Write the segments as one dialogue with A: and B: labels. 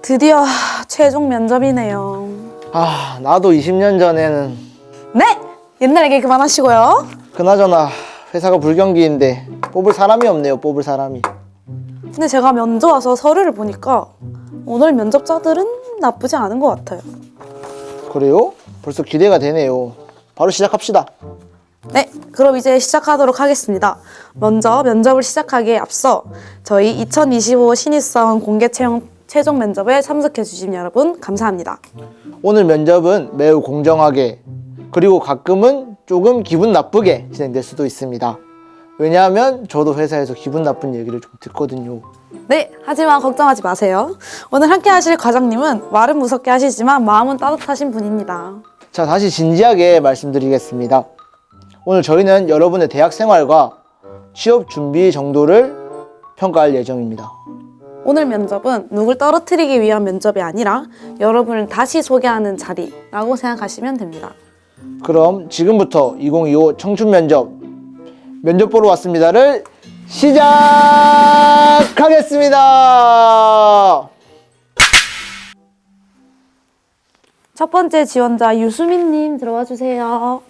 A: 드디어 최종 면접이네요.
B: 아, 나도 20년 전에는
A: 네! 옛날 얘기 그만하시고요.
B: 그나저나 회사가 불경기인데 뽑을 사람이 없네요. 뽑을 사람이.
A: 근데 제가 면접 와서 서류를 보니까 오늘 면접자들은 나쁘지 않은 것 같아요.
B: 그래요? 벌써 기대가 되네요. 바로 시작합시다.
A: 네, 그럼 이제 시작하도록 하겠습니다. 먼저 면접을 시작하기에 앞서 저희 2025 신입사원 공개 채용 최종 면접에 참석해 주신 여러분 감사합니다.
B: 오늘 면접은 매우 공정하게 그리고 가끔은 조금 기분 나쁘게 진행될 수도 있습니다. 왜냐하면 저도 회사에서 기분 나쁜 얘기를 좀 듣거든요.
A: 네, 하지만 걱정하지 마세요. 오늘 함께 하실 과장님은 말은 무섭게 하시지만 마음은 따뜻하신 분입니다.
B: 자, 다시 진지하게 말씀드리겠습니다. 오늘 저희는 여러분의 대학 생활과 취업 준비 정도를 평가할 예정입니다.
A: 오늘 면접은 누굴 떨어뜨리기 위한 면접이 아니라 여러분을 다시 소개하는 자리라고 생각하시면 됩니다.
B: 그럼 지금부터 2025 청춘 면접 보러 왔습니다를 시작하겠습니다.
A: 첫 번째 지원자 유수민님 들어와 주세요.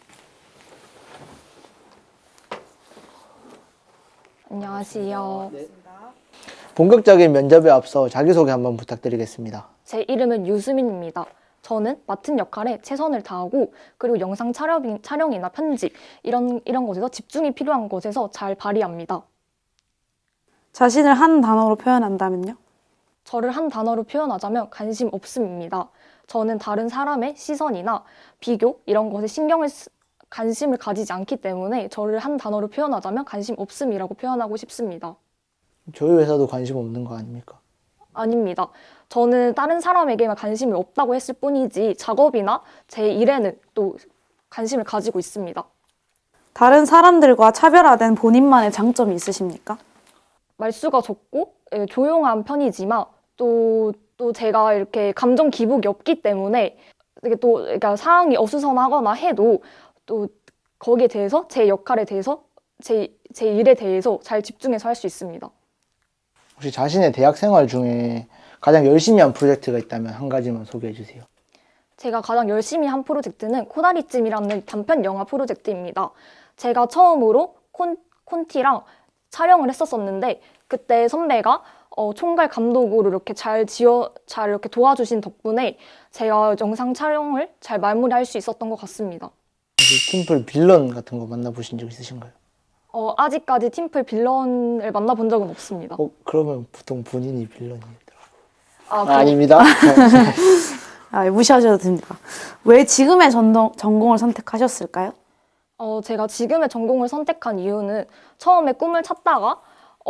C: 안녕하세요.
B: 본격적인 면접에 앞서 자기소개 한번 부탁드리겠습니다.
C: 제 이름은 유수민입니다. 저는 맡은 역할에 최선을 다하고 그리고 영상 촬영이나 편집 이런 곳에서 집중이 필요한 곳에서 잘 발휘합니다.
A: 자신을 한 단어로 표현한다면요?
C: 저를 한 단어로 표현하자면 관심 없음입니다. 저는 다른 사람의 시선이나 비교 이런 것에 관심을 가지지 않기 때문에 저를 한 단어로 표현하자면 관심 없음이라고 표현하고 싶습니다.
B: 저희 회사도 관심 없는 거 아닙니까?
C: 아닙니다. 저는 다른 사람에게만 관심이 없다고 했을 뿐이지 작업이나 제 일에는 또 관심을 가지고 있습니다.
A: 다른 사람들과 차별화된 본인만의 장점이 있으십니까?
C: 말수가 적고 조용한 편이지만 또 제가 이렇게 감정 기복이 없기 때문에 이게 또 그러니까 상황이 어수선하거나 해도 또 거기에 대해서 제 역할에 대해서 제 일에 대해서 잘 집중해서 할 수 있습니다.
B: 혹시 자신의 대학 생활 중에 가장 열심히 한 프로젝트가 있다면 한 가지만 소개해 주세요.
C: 제가 가장 열심히 한 프로젝트는 코다리찜이라는 단편 영화 프로젝트입니다. 제가 처음으로 콘티랑 촬영을 했었는데 그때 선배가 총괄 감독으로 이렇게 잘 이렇게 도와주신 덕분에 제가 영상 촬영을 잘 마무리할 수 있었던 것 같습니다.
B: 혹시 팀플 빌런 같은 거 만나보신 적 있으신가요?
C: 아직까지 팀플 빌런을 만나본 적은 없습니다.
B: 그러면 보통 본인이 빌런이더라고요.
C: 아닙니다.
A: 아닙니다. 무시하셔도 됩니다. 왜 지금의 전공을 선택하셨을까요?
C: 제가 지금의 전공을 선택한 이유는 처음에 꿈을 찾다가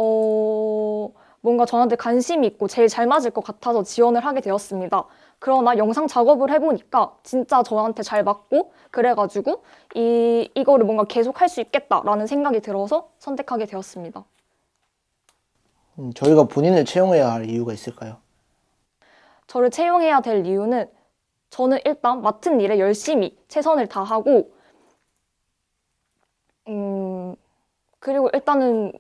C: 뭔가 저한테 관심이 있고 제일 잘 맞을 것 같아서 지원을 하게 되었습니다. 그러나 영상 작업을 해보니까 진짜 저한테 잘 맞고 그래가지고 이거를 뭔가 계속 할 수 있겠다라는 생각이 들어서 선택하게 되었습니다.
B: 저희가 본인을 채용해야 할 이유가 있을까요?
C: 저를 채용해야 될 이유는 저는 일단 맡은 일에 열심히 최선을 다하고 그리고 일단은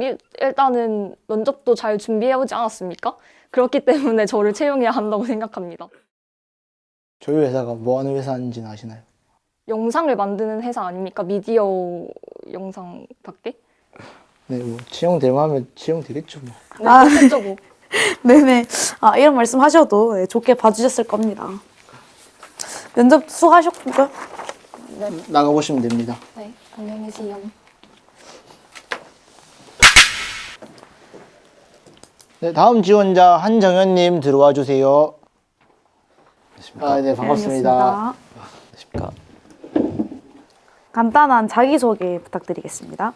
C: 면접도 잘 준비해오지 않았습니까? 그렇기 때문에 저를 채용해야 한다고 생각합니다.
B: 저희 회사가 뭐 하는 회사인지는 아시나요?
C: 영상을 만드는 회사 아닙니까? 미디어 영상밖에?
B: 네, 뭐 채용될 만하면 채용되겠죠 뭐.
C: 네, 그렇죠 뭐.
A: 네네. 이런 말씀 하셔도 좋게 봐주셨을 겁니다. 면접 수고하셨고요.
B: 나가보시면 됩니다.
C: 네, 안녕히 계세요.
B: 네, 다음 지원자 한정현님 들어와 주세요.
D: 안녕하십니까.
B: 네, 반갑습니다.
D: 안녕하십니까.
A: 간단한 자기소개 부탁드리겠습니다.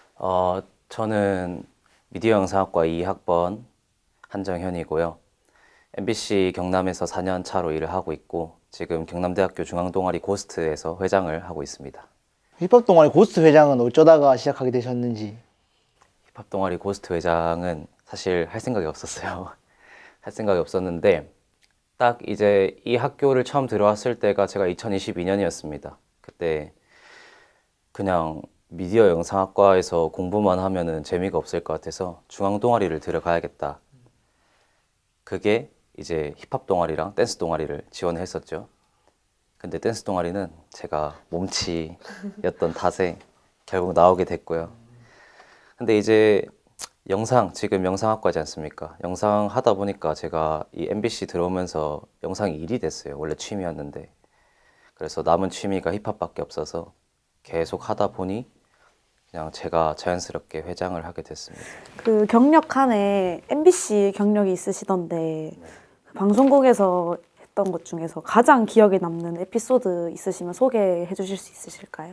D: 저는 미디어 영상학과 2학번 한정현이고요. MBC 경남에서 4년 차로 일을 하고 있고 지금 경남대학교 중앙동아리 고스트에서 회장을 하고 있습니다.
B: 힙합 동아리 고스트 회장은 어쩌다가 시작하게 되셨는지.
D: 힙합 동아리 고스트 회장은 사실 할 생각이 없었어요. 할 생각이 없었는데 딱 이제 이 학교를 처음 들어왔을 때가 제가 2022년이었습니다. 그때 그냥 미디어 영상학과에서 공부만 하면은 재미가 없을 것 같아서 중앙동아리를 들어가야겠다. 그게 이제 힙합 동아리랑 댄스 동아리를 지원을 했었죠. 근데 댄스 동아리는 제가 몸치였던 탓에 결국 나오게 됐고요. 근데 이제 지금 영상학과지 않습니까? 영상 하다 보니까 제가 이 MBC 들어오면서 영상이 일이 됐어요. 원래 취미였는데. 그래서 남은 취미가 힙합밖에 없어서 계속 하다 보니 그냥 제가 자연스럽게 회장을 하게 됐습니다.
A: 그 경력 칸에 MBC 경력이 있으시던데 방송국에서 했던 것 중에서 가장 기억에 남는 에피소드 있으시면 소개해 주실 수 있으실까요?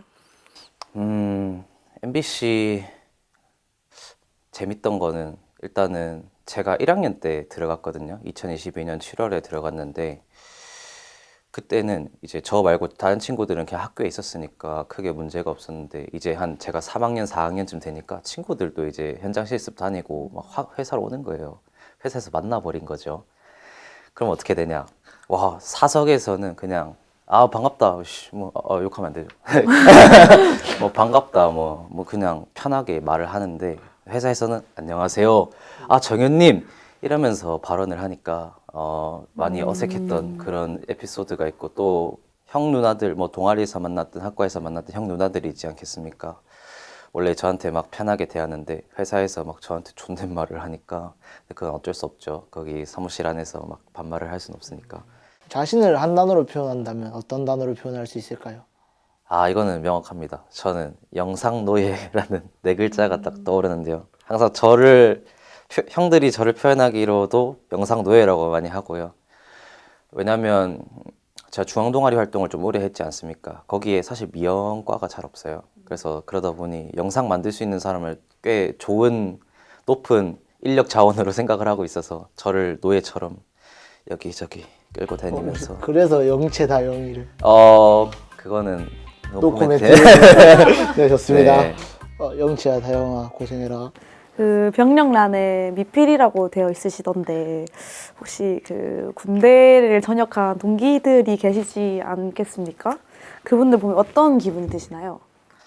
D: MBC 재밌던 거는 일단은 제가 1학년 때 들어갔거든요. 2022년 7월에 들어갔는데 그때는 이제 저 말고 다른 친구들은 그냥 학교에 있었으니까 크게 문제가 없었는데 이제 제가 3학년, 4학년쯤 되니까 친구들도 이제 현장 실습 다니고 막 회사로 오는 거예요. 회사에서 만나버린 거죠. 그럼 어떻게 되냐? 와, 사석에서는 그냥 반갑다. 욕하면 안 되죠. 반갑다. 그냥 편하게 말을 하는데 회사에서는 안녕하세요. 정현님 이러면서 발언을 하니까 많이 어색했던 그런 에피소드가 있고 또 형 누나들 동아리에서 만났든 학과에서 만났던 형 누나들이 있지 않겠습니까? 원래 저한테 막 편하게 대하는데 회사에서 막 저한테 존댓말을 하니까 그건 어쩔 수 없죠. 거기 사무실 안에서 막 반말을 할 수는 없으니까.
B: 자신을 한 단어로 표현한다면 어떤 단어로 표현할 수 있을까요?
D: 이거는 명확합니다. 저는 영상노예라는 네 글자가 딱 떠오르는데요. 항상 형들이 저를 표현하기로도 영상노예라고 많이 하고요. 왜냐면 제가 중앙동아리 활동을 좀 오래 했지 않습니까? 거기에 사실 미영과가 잘 없어요. 그래서 그러다 보니 영상 만들 수 있는 사람을 꽤 좋은, 높은 인력 자원으로 생각을 하고 있어서 저를 노예처럼 여기저기 끌고 다니면서
B: 그래서 영체다 영의를.
D: 그거는
B: 노코멘트. 네, 좋습니다.
D: 네.
B: 영치야 다영아 고생해라.
A: 그 병력란에 미필이라고 되어 있으시던데 혹시 그 군대를 전역한 동기들이 계시지 않겠습니까? 그분들 보면 어떤 기분이 드시나요?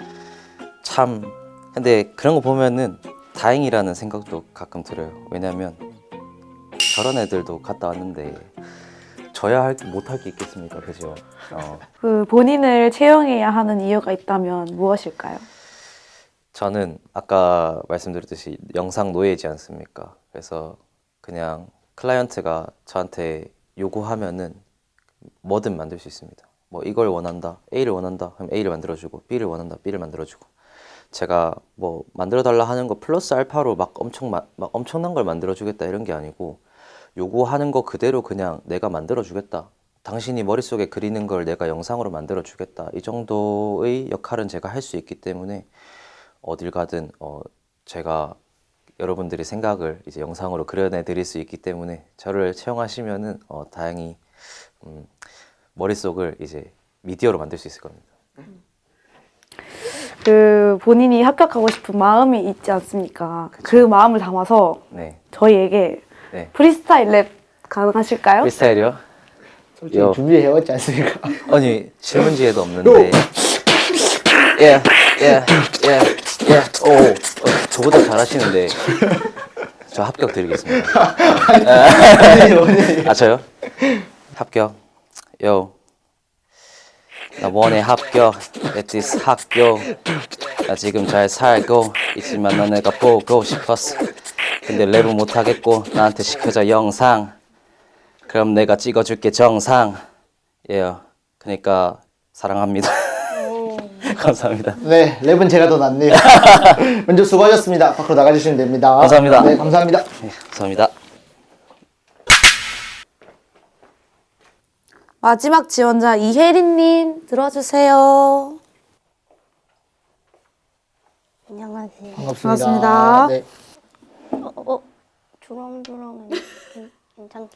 D: 참 근데 그런 거 보면은 다행이라는 생각도 가끔 들어요. 왜냐면 저런 애들도 갔다 왔는데 저야 못할 게 있겠습니까? 그죠?
A: 그 본인을 채용해야 하는 이유가 있다면 무엇일까요?
D: 저는 아까 말씀드렸듯이 영상 노예지 않습니까? 그래서 그냥 클라이언트가 저한테 요구하면은 뭐든 만들 수 있습니다. 이걸 원한다, A를 원한다, 그럼 A를 만들어주고, B를 원한다, B를 만들어주고. 제가 만들어달라 하는 거 플러스 알파로 막 엄청난 걸 만들어주겠다 이런 게 아니고 요구하는 거 그대로 그냥 내가 만들어주겠다. 당신이 머릿속에 그리는 걸 내가 영상으로 만들어주겠다. 이 정도의 역할은 제가 할 수 있기 때문에 어딜 가든 제가 여러분들의 생각을 이제 영상으로 그려내 드릴 수 있기 때문에 저를 채용하시면은 다행히 머릿속을 이제 미디어로 만들 수 있을 겁니다.
A: 그 본인이 합격하고 싶은 마음이 있지 않습니까? 그 마음을 담아서
D: 네.
A: 저희에게
D: 네.
A: 프리스타일 랩 가능하실까요?
D: 프리스타일이요?
B: 솔직히 준비해왔지 않습니까?
D: 아니 질문지에도 없는데. 예. 저보다 잘하시는데 저 합격 드리겠습니다. 저요? 합격. 나 원해 합격. at this 학교. 나 지금 잘 살고 있지만 너네가 보고 싶었어. 근데 랩은 못하겠고 나한테 시켜줘 영상. 그럼 내가 찍어줄게 정상. 그러니까 사랑합니다. 감사합니다.
B: 네, 랩은 제가 더 낫네요. 먼저 수고하셨습니다. 밖으로 나가주시면 됩니다.
D: 감사합니다.
B: 네, 감사합니다.
D: 네, 감사합니다.
A: 마지막 지원자 이혜린님 들어주세요.
E: 안녕하세요.
B: 반갑습니다.
A: 반갑습니다.
B: 네.
E: 주렁주렁은 괜찮.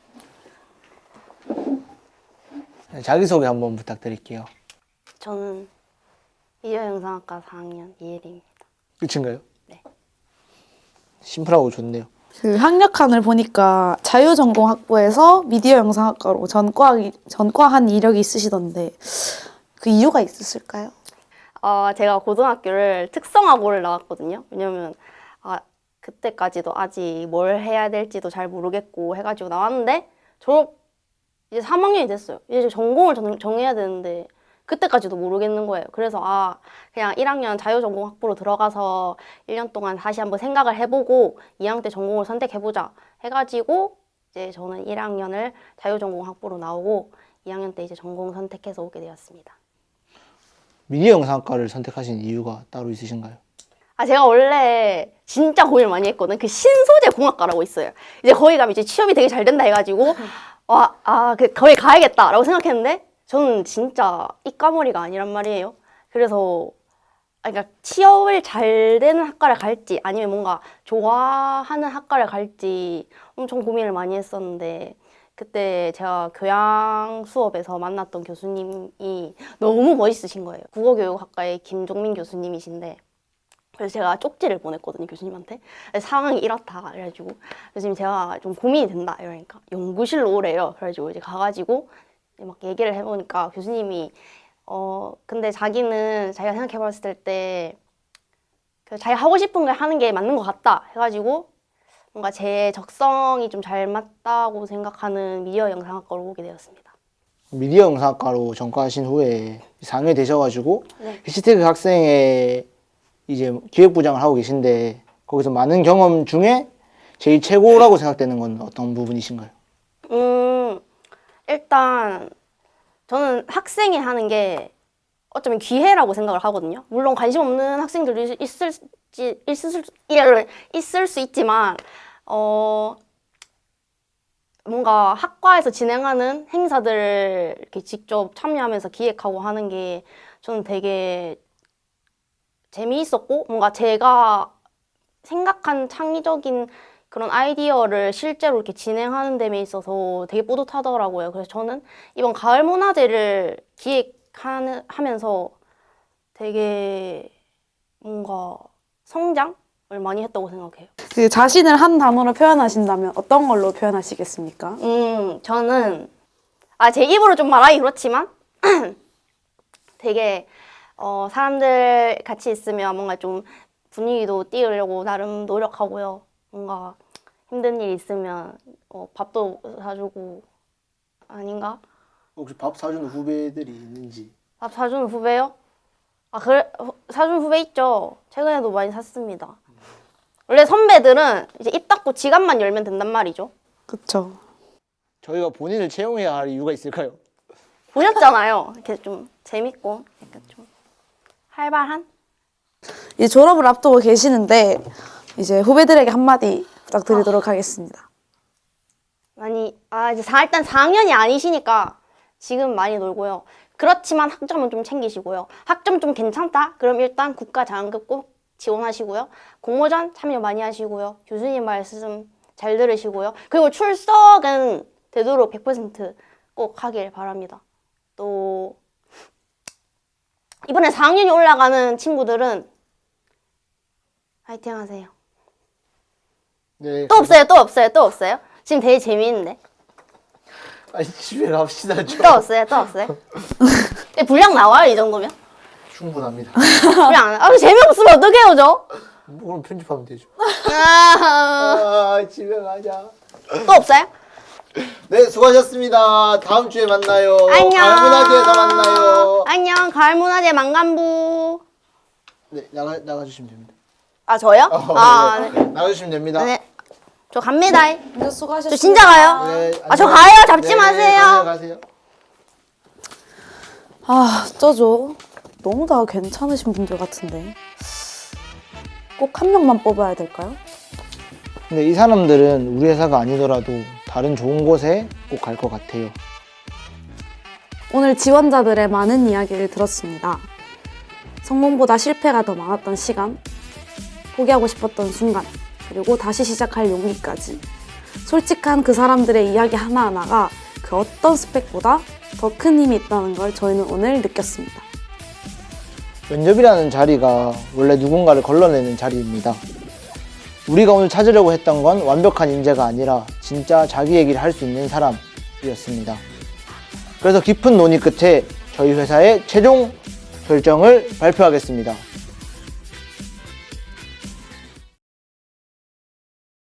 B: 자기소개 한번 부탁드릴게요.
E: 저는 미디어 영상학과 4학년 이혜리입니다.
B: 끝인가요?
E: 네.
B: 심플하고 좋네요.
A: 그 학력칸을 보니까 자유전공학부에서 미디어 영상학과로 전과한 이력이 있으시던데 그 이유가 있으실까요?
E: 제가 고등학교를 특성화고를 나왔거든요. 왜냐면 그때까지도 아직 뭘 해야 될지도 잘 모르겠고 해가지고 나왔는데 졸업 이제 3학년이 됐어요. 이제 전공을 정해야 되는데 그때까지도 모르겠는 거예요. 그래서 그냥 1학년 자유전공 학부로 들어가서 1년 동안 다시 한번 생각을 해보고 2학년 때 전공을 선택해보자 해가지고 이제 저는 1학년을 자유전공 학부로 나오고 2학년 때 이제 전공 선택해서 오게 되었습니다.
B: 미디어 영상학과를 선택하신 이유가 따로 있으신가요?
E: 제가 원래 진짜 고민을 많이 했거든. 그 신소재 공학과라고 있어요. 이제 거기 가면 이제 취업이 되게 잘 된다 해가지고 거기 가야겠다라고 생각했는데 저는 진짜 이과머리가 아니란 말이에요. 그래서 그러니까 취업을 잘 되는 학과를 갈지 아니면 뭔가 좋아하는 학과를 갈지 엄청 고민을 많이 했었는데 그때 제가 교양 수업에서 만났던 교수님이 너무 멋있으신 거예요. 국어교육학과의 김종민 교수님이신데 그래서 제가 쪽지를 보냈거든요, 교수님한테. 상황이 이렇다 그래가지고 교수님 제가 좀 고민이 된다 이러니까 연구실로 오래요. 그래가지고 이제 가가지고 막 얘기를 해보니까 교수님이 근데 자기는 자기가 생각해봤을 때 자기가 하고 싶은 걸 하는 게 맞는 것 같다 해가지고 뭔가 제 적성이 좀 잘 맞다고 생각하는 미디어 영상학과로 오게 되었습니다.
B: 미디어 영상학과로 전과하신 후에 4학년이 되셔가지고
E: 네.
B: 해시태그 학생의 이제 기획부장을 하고 계신데 거기서 많은 경험 중에 제일 최고라고 생각되는 건 어떤 부분이신가요?
E: 일단 저는 학생이 하는 게 어쩌면 기회라고 생각을 하거든요. 물론 관심 없는 학생들도 있을 수 있지만 뭔가 학과에서 진행하는 행사들을 이렇게 직접 참여하면서 기획하고 하는 게 저는 되게 재미있었고 뭔가 제가 생각한 창의적인 그런 아이디어를 실제로 이렇게 진행하는 데 있어서 되게 뿌듯하더라고요. 그래서 저는 이번 가을 문화제를 기획하면서 되게 뭔가 성장을 많이 했다고 생각해요.
A: 그 자신을 한 단어로 표현하신다면 어떤 걸로 표현하시겠습니까?
E: 저는 제 입으로 좀 말하기 그렇지만 되게 사람들 같이 있으면 뭔가 좀 분위기도 띄우려고 나름 노력하고요. 뭔가 힘든 일 있으면 밥도 사주고 아닌가?
B: 혹시 밥 사주는 후배들이 있는지?
E: 밥 사주는 후배요? 그래 사주는 후배 있죠. 최근에도 많이 샀습니다. 원래 선배들은 이제 입 닫고 지갑만 열면 된단 말이죠.
A: 그쵸.
B: 저희가 본인을 채용해야 할 이유가 있을까요?
E: 보셨잖아요. 이렇게 좀 재밌고 약간 좀 활발한?
A: 이제 졸업을 앞두고 계시는데 이제 후배들에게 한마디 부탁드리도록 하겠습니다.
E: 많이 이제 일단 4학년이 아니시니까 지금 많이 놀고요. 그렇지만 학점은 좀 챙기시고요. 학점 좀 괜찮다? 그럼 일단 국가 장학금 꼭 지원하시고요. 공모전 참여 많이 하시고요. 교수님 말씀 잘 들으시고요. 그리고 출석은 되도록 100% 꼭 하길 바랍니다. 또 이번에 4학년이 올라가는 친구들은 화이팅 하세요.
B: 네.
E: 또 없어요? 지금 되게 재미있는데.
B: 아니 집에 갑시다 좀.
E: 또 없어요? 분량 나와요, 이 정도면?
B: 충분합니다.
E: 분량 안 재미없으면 어떡해요, 저?
B: 그럼 편집하면 되죠.
E: 아,
B: 집에 가자.
E: 또 없어요?
B: 네, 수고하셨습니다. 다음 주에 만나요.
E: 안녕.
B: 가을문화제에서 만나요.
E: 안녕, 가을문화제 망간부.
B: 네, 나가주시면 됩니다.
E: 저요?
B: 네.
E: 네.
B: 나가주시면 됩니다.
E: 네. 저 갑니다.
A: 먼저 수고하셨습니다.
E: 저 진짜 가요.
B: 네,
E: 저
B: 안녕.
E: 가요. 잡지
B: 네,
E: 마세요.
B: 가세요.
A: 어쩌죠? 너무 다 괜찮으신 분들 같은데 꼭 한 명만 뽑아야 될까요?
B: 근데 이 사람들은 우리 회사가 아니더라도 다른 좋은 곳에 꼭 갈 것 같아요.
A: 오늘 지원자들의 많은 이야기를 들었습니다. 성공보다 실패가 더 많았던 시간, 포기하고 싶었던 순간, 그리고 다시 시작할 용기까지. 솔직한 그 사람들의 이야기 하나하나가 그 어떤 스펙보다 더 큰 힘이 있다는 걸 저희는 오늘 느꼈습니다.
B: 면접이라는 자리가 원래 누군가를 걸러내는 자리입니다. 우리가 오늘 찾으려고 했던 건 완벽한 인재가 아니라 진짜 자기 얘기를 할 수 있는 사람이었습니다. 그래서 깊은 논의 끝에 저희 회사의 최종 결정을 발표하겠습니다.